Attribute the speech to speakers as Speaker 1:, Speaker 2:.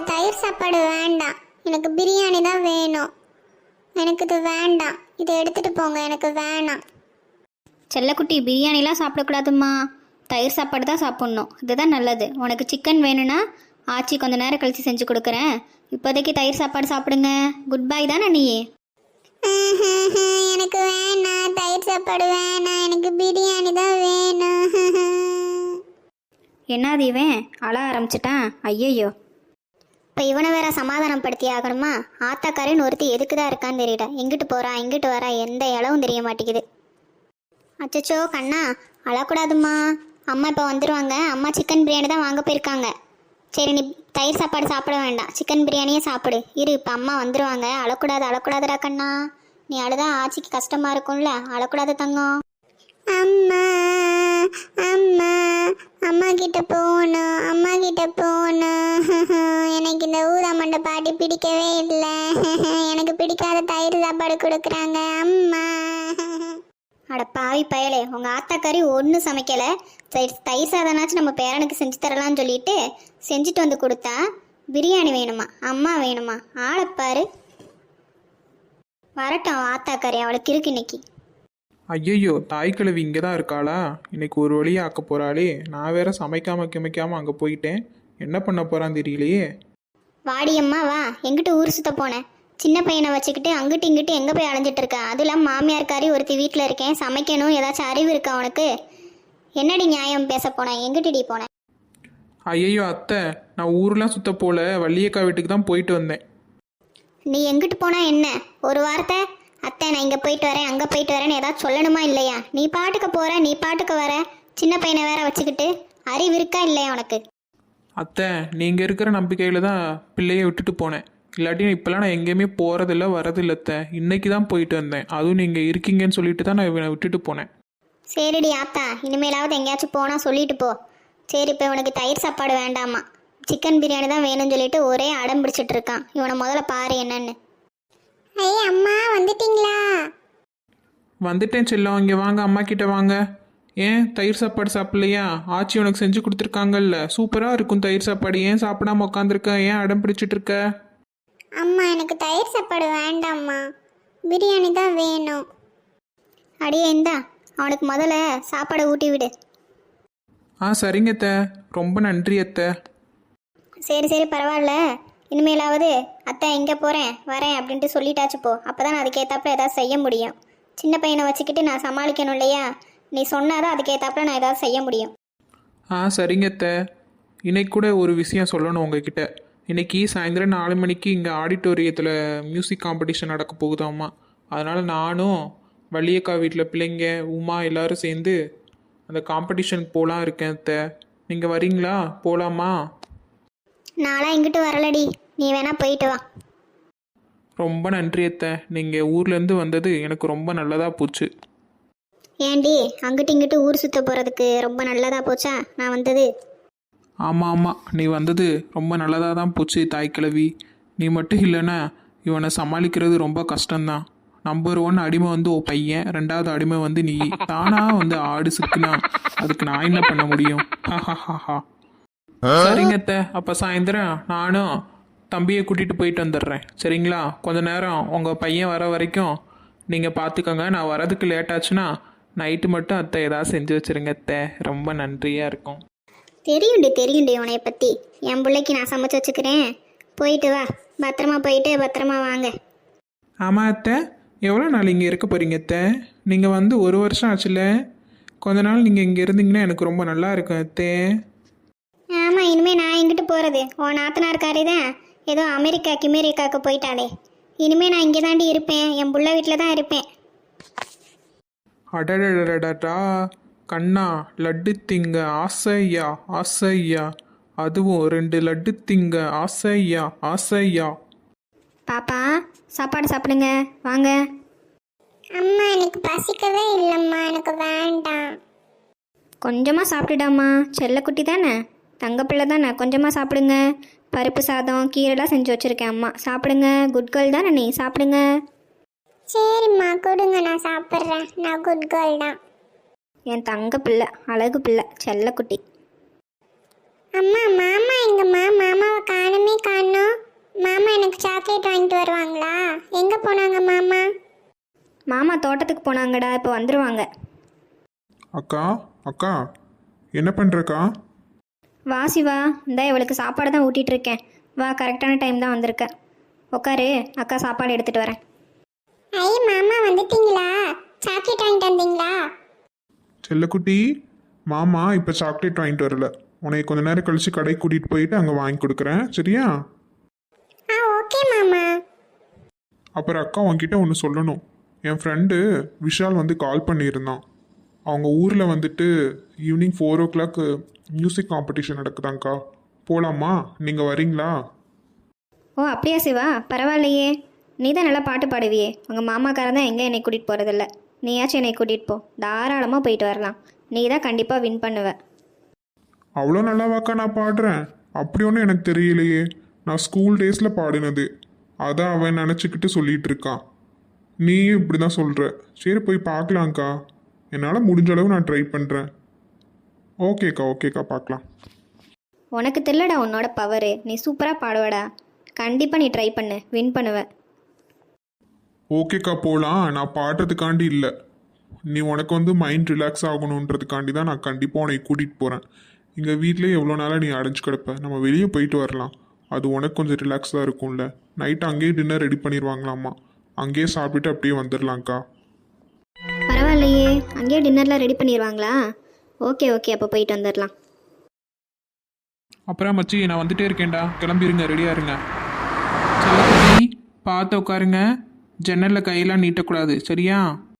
Speaker 1: தயிர் சாப்பாடு வேண்டாம், எனக்கு பிரியாணி தான் வேணும். எனக்கு இது வேண்டாம், இதை எடுத்துட்டு போங்க, எனக்கு வேணாம்.
Speaker 2: செல்லக்குட்டி, பிரியாணிலாம் சாப்பிடக்கூடாதும்மா, தயிர் சாப்பாடு தான் சாப்பிட்ணும். இதுதான் நல்லது. உனக்கு சிக்கன் வேணும்னா ஆச்சி கொஞ்ச நேரம் கழித்து செஞ்சு கொடுக்குறேன். இப்போதைக்கு தயிர் சாப்பாடு சாப்பிடுங்க. குட் பை தானே நீ?
Speaker 1: எனக்கு வேணாம், தயிர் சாப்பாடு வேணாம், எனக்கு பிரியாணி தான் வேணும்.
Speaker 2: என்னது இவன் அழ ஆரம்பிச்சிட்டான்? ஐயையோ,
Speaker 1: இப்போ இவனை வேற சமாதானப்படுத்தி ஆகணுமா? ஆத்தாக்காரன் ஒருத்தி எதுக்கு தான் இருக்கான்னு தெரியல. எங்கிட்டு போறா எங்கிட்டு வரா எந்த இளவும் தெரிய மாட்டேங்குது. அச்சச்சோ கண்ணா, அழக்கூடாதும்மா. அம்மா இப்போ வந்துடுவாங்க. அம்மா சிக்கன் பிரியாணி தான் வாங்க போயிருக்காங்க. சரி, நீ தயிர் சாப்பாடு சாப்பிட வேண்டாம், சிக்கன் பிரியாணியே சாப்பிடு. இரு, இப்போ அம்மா வந்துடுவாங்க. அழக்கூடாது, அழக்கூடாதுடா கண்ணா. நீ அழுதா ஆச்சிக்கு கஷ்டமா இருக்கும்ல, அழக்கூடாது தங்கம். அம்மா அம்மா அம்மா கிட்ட போகணும், அம்மா கிட்ட போகணும். எனக்கு இந்த ஊதாமண்டை பாட்டி பிடிக்கவே இல்லை. எனக்கு பிடிக்காத தயிர் சாப்பாடு கொடுக்குறாங்க அம்மா.
Speaker 2: அட பாவி பயலே, உங்கள் ஆத்தாக்காரி ஒன்றும் சமைக்கலை. தயிர் சாதனாச்சும் நம்ம பேரனுக்கு செஞ்சு தரலான்னு சொல்லிட்டு செஞ்சுட்டு வந்து கொடுத்தா பிரியாணி வேணுமா, அம்மா வேணுமா? ஆளைப்பாரு. வரட்டும் ஆத்தாக்காரி, அவளுக்கு இருக்கு இன்னைக்கு.
Speaker 3: ஐயையோ, தாய்க்கிழவி இங்கே தான் இருக்காளா? இன்னைக்கு ஒரு வழியாக ஆக்க போகிறாளே. நான் வேற சமைக்காமல் அங்கே போயிட்டேன். என்ன பண்ண போகிறான்னு தெரியலையே.
Speaker 2: வாடியம்மா வா, எங்கிட்ட ஊர் சுத்த போனேன்? சின்ன பையனை வச்சுக்கிட்டு அங்கிட்டு இங்கிட்டு எங்கே போய் அலைஞ்சிட்டு இருக்கா? அதுவும் இல்லாமல் மாமியார்காரி ஒருத்தி வீட்டில் இருக்கேன், சமைக்கணும், ஏதாச்சும் அறிவு இருக்கா உனக்கு? என்னடி நியாயம் பேச போனேன்? எங்கிட்டடி போனேன்?
Speaker 3: ஐயையோ அத்தை, நான் ஊர்லாம் சுத்த போல, வள்ளியக்கா வீட்டுக்கு தான் போயிட்டு வந்தேன்.
Speaker 2: நீ எங்கிட்டு போனா என்ன? ஒரு வார்த்தை அத்தை நான் இங்கே போயிட்டு வரேன் அங்கே போயிட்டு வரேன்னு ஏதாவது சொல்லணுமா இல்லையா? நீ பாட்டுக்கு போகிற, நீ பாட்டுக்கு வர, சின்ன பையனை வேற வச்சுக்கிட்டு அறிவு இருக்கா இல்லையா உனக்கு?
Speaker 3: அத்தை, நீங்கள் இருக்கிற நம்பிக்கையில் தான் பிள்ளையை விட்டுட்டு போனேன். இல்லாட்டி இப்போலாம் நான் எங்கேயுமே போகிறதில்ல வரதில்ல அத்தை. இன்னைக்கு தான் போயிட்டு வந்தேன். அதுவும் நீங்கள் இருக்கீங்கன்னு சொல்லிட்டு தான் நான் இவனை விட்டுட்டு போனேன்.
Speaker 2: சரிடி ஆத்தா, இனிமேலாவது எங்கேயாச்சும் போனால் சொல்லிட்டு போ. சரி, இப்போ இவனுக்கு தயிர் சாப்பாடு வேண்டாமா, சிக்கன் பிரியாணி தான் வேணும்னு சொல்லிட்டு ஒரே அடம் பிடிச்சிட்டு இருக்கான். இவனை முதல்ல பாரு என்னன்னு.
Speaker 1: ஐய் அம்மா, வந்துட்டீங்களா?
Speaker 3: வந்துட்டேன் செல்லம், இங்கே வாங்க, அம்மா கிட்ட வாங்க. ஏன் தயிர் சாப்பாடு சாப்பிட்லையா? ஆச்சி உனக்கு செஞ்சு கொடுத்துருக்காங்கல்ல, சூப்பராக இருக்கும் தயிர் சாப்பாடு. ஏன் சாப்பிடாம உட்காந்துருக்க? ஏன் அடம் பிடிச்சிட்டு இருக்க?
Speaker 1: அம்மா, எனக்கு தயிர் சாப்பாடு வேண்டாம்மா, பிரியாணி தான் வேணும்.
Speaker 2: அடியே இந்தா, அவனுக்கு முதல்ல சாப்பாடை ஊட்டி விடு.
Speaker 3: சரிங்க அத்தை, ரொம்ப நன்றி அத்தை.
Speaker 2: சரி சரி பரவாயில்ல, இனிமேலாவது அத்தை எங்கே போகிறேன் வரேன் அப்படின்ட்டு சொல்லிட்டாச்சு போ. அப்போ தான் நான் அதுக்கேற்றாப்புல ஏதாவது செய்ய முடியும். சின்ன பையனை வச்சுக்கிட்டு நான் சமாளிக்கணும் இல்லையா? நீ சொன்னாதான் அதுக்கேற்றாப்புல நான் ஏதாவது செய்ய முடியும்.
Speaker 3: சரிங்க அத்தை. இன்னைக்கு கூட ஒரு விஷயம் சொல்லணும் உங்ககிட்ட. இன்னைக்கு சாயந்தரம் 4 மணிக்கு இங்கே ஆடிட்டோரியத்தில் மியூசிக் காம்படிஷன் நடக்க போகுதாம்மா. அதனால் நானும் வள்ளியக்கா வீட்டில் பிள்ளைங்க உமா எல்லோரும் சேர்ந்து அந்த காம்படிஷனுக்கு போகலாம் இருக்கேன் அத்தை. நீங்கள் வரீங்களா? போகலாமா?
Speaker 2: நான்லாம் இங்கிட்டு வரலடி, நீ வேணா போயிட்டு வா.
Speaker 3: ரொம்ப நன்றி அத்தை, நீங்கள் ஊர்லேருந்து வந்தது எனக்கு ரொம்ப நல்லதாக போச்சு.
Speaker 2: ஏண்டி அங்கிட்டு இங்கிட்டு ஊர் சுற்ற போகிறதுக்கு ரொம்ப நல்லதாக போச்சா நான் வந்தது?
Speaker 3: ஆமாம், நீ வந்தது ரொம்ப நல்லதாக தான் போச்சு தாய்க்கிழவி. நீ மட்டும் இல்லைன்னா இவனை சமாளிக்கிறது ரொம்ப கஷ்டம்தான். நம்பர் 1 அடிமை வந்து உன் பையன், 2வது அடிமை வந்து நீ. தானா வந்து ஆடு சிக்குனா அதுக்கு நான் என்ன பண்ண முடியும்? சரிங்க அத்தை, அப்போ சாயந்தரம் நானும் தம்பியை கூட்டிகிட்டு போயிட்டு வந்துடுறேன். சரிங்களா? கொஞ்ச நேரம் உங்கள் பையன் வர வரைக்கும் நீங்கள் பார்த்துக்கோங்க. நான் வரதுக்கு லேட் ஆச்சுன்னா நைட்டு மட்டும் அத்தை ஏதாவது செஞ்சு வச்சுருங்க அத்தை. ரொம்ப நன்றியாக இருக்கும்.
Speaker 2: தெரியுண்டி உனைய பற்றி. என் பிள்ளைக்கு நான் சமைச்சு வச்சுக்கிறேன். போயிட்டு வா, பத்திரமா போயிட்டு பத்திரமா வாங்க.
Speaker 3: ஆமாம் அத்தை, எவ்வளோ நாள் இங்கே இருக்க போகிறீங்க அத்தை? நீங்கள் வந்து 1 வருஷம் ஆச்சுல்ல. கொஞ்ச நாள் நீங்கள் இங்கே இருந்தீங்கன்னா எனக்கு ரொம்ப நல்லா இருக்கும் அத்தை.
Speaker 2: ஆமாம், இனிமேல் நான் எங்கிட்டு போகிறது? உன் நாத்தனார்காரி தான் ஏதோ அமெரிக்காவுக்கு போயிட்டாளே. இனிமேல் நான் இங்கே தாண்டி இருப்பேன், என் புள்ள வீட்டில் தான் இருப்பேன்.
Speaker 3: அடடடடடா கண்ணா, லட்டு திங்க ஆசையா, அதுவும் 2 லட்டு திங்க ஆசையா.
Speaker 2: பாப்பா, சாப்பாடு சாப்பிடுங்க வாங்க.
Speaker 1: அம்மா, எனக்கு பசிக்கவே இல்லைம்மா, எனக்கு வேண்டாம்.
Speaker 2: கொஞ்சமாக சாப்பிட்டுடாமா, செல்லக்குட்டி தானே, தங்கப்பிள்ளை தானே, கொஞ்சமாக சாப்பிடுங்க. பருப்பு சாதம் கீரைலாம் செஞ்சு வச்சுருக்கேன் அம்மா, சாப்பிடுங்க. குட் கேர்ள் தானே நீ, சாப்பிடுங்க.
Speaker 1: சரிம்மா, கொடுங்க, நான் சாப்பிட்றேன். நான் குட் கேர்ள் தான்.
Speaker 2: என் தங்க பிள்ளை, அழகு பிள்ளை, செல்லக்குட்டி.
Speaker 1: அம்மா மாமா எங்கம்மா? மாமாவை காணுமே காணோம். மாமா எனக்கு சாக்லேட் வாங்கிட்டு வருவாங்களா? எங்கே போனாங்க மாமா?
Speaker 2: மாமா தோட்டத்துக்கு போனாங்கடா, இப்போ வந்துடுவாங்க.
Speaker 3: அக்கா அக்கா என்ன பண்ணுறக்கா?
Speaker 2: வா சிவா, இந்த இவளுக்கு சாப்பாடு தான் ஊட்டிகிட்டு இருக்கேன். வா, கரெக்டான டைம் தான் வந்திருக்க. உட்காரு, அக்கா சாப்பாடு எடுத்துகிட்டு வரேன்.
Speaker 1: ஐ மாமா வந்துட்டீங்களா? சாக்லேட் வாங்கிட்டு வந்தீங்களா?
Speaker 3: செல்லக்குட்டி, மாமா இப்போ சாக்லேட் வாங்கிட்டு வரல. உன்னை கொஞ்ச நேரம் கழிச்சு கடைக்கு கூட்டிகிட்டு போயிட்டு அங்கே வாங்கி கொடுக்குறேன், சரியா?
Speaker 1: ஆ ஓகே மாமா.
Speaker 3: அப்புறம் அக்கா உன்கிட்ட ஒன்று சொல்லணும். என் ஃப்ரெண்டு விஷால் வந்து கால் பண்ணியிருந்தான். அவங்க ஊரில் வந்துட்டு ஈவினிங் 4 o'clock மியூசிக் காம்படிஷன் நடக்குதாங்க்கா. போகலாமா? நீங்கள் வரீங்களா?
Speaker 2: ஓ அப்படியா சிவா, பரவாயில்லையே. நீ தான் நல்லா பாட்டு பாடுவியே. உங்கள் மாமாக்காரன் தான் எங்கே என்னை கூட்டிகிட்டு போகிறதில்ல. நீயாச்சும் என்னை கூட்டிகிட்டு போ, தாராளமாக போயிட்டு வரலாம். நீ தான் கண்டிப்பாக வின் பண்ணுவ.
Speaker 3: அவ்வளோ நல்லாவாக்கா நான் பாடுறேன்? அப்படி ஒன்றும் எனக்கு தெரியலையே. நான் ஸ்கூல் டேஸில் பாடினது. அதான் அவன் நினச்சிக்கிட்டு சொல்லிட்டு இருக்கான். நீயும் இப்படி தான் சொல்கிற. சரி போய் பார்க்கலாங்க்கா. என்னால் முடிஞ்ச அளவு நான் ட்ரை பண்ணுறேன். ஓகேக்கா பார்க்கலாம்.
Speaker 2: உனக்கு தெரியலடா உன்னோட பவரு. நீ சூப்பராக பாடுவடா. கண்டிப்பாக நீ ட்ரை பண்ணு, வின் பண்ணுவ.
Speaker 3: ஓகேக்கா போகலாம். நான் பாடுறதுக்காண்டி இல்லை, நீ உனக்கு வந்து மைண்ட் ரிலாக்ஸ் ஆகணுன்றதுக்காண்டி தான் நான் கண்டிப்பாக உன்னை கூட்டிகிட்டு போகிறேன். இங்கே வீட்டிலே எவ்வளோ நாளாக நீ அடைஞ்சு கிடப்ப. நம்ம வெளியே போயிட்டு வரலாம். அது உனக்கு கொஞ்சம் ரிலாக்ஸாக இருக்கும்ல. நைட்டு அங்கேயே டின்னர் ரெடி பண்ணிடுவாங்களாம்மா. அங்கேயே சாப்பிட்டுட்டு அப்படியே வந்துடலாங்க்கா.
Speaker 2: பரவாயில்லையே, அங்கேயே டின்னர்லாம் ரெடி பண்ணிடுவாங்களா? ஓகே அப்போ போயிட்டு வந்துடலாம்.
Speaker 3: அப்புறம் மச்சி, நான் வந்துட்டே இருக்கேன்டா. கிளம்பிருங்க, ரெடியாக இருங்க. செல்லக்குட்டி, பார்த்து உட்காருங்க. ஜன்னலில் கையெல்லாம் நீட்டக்கூடாது, சரியா?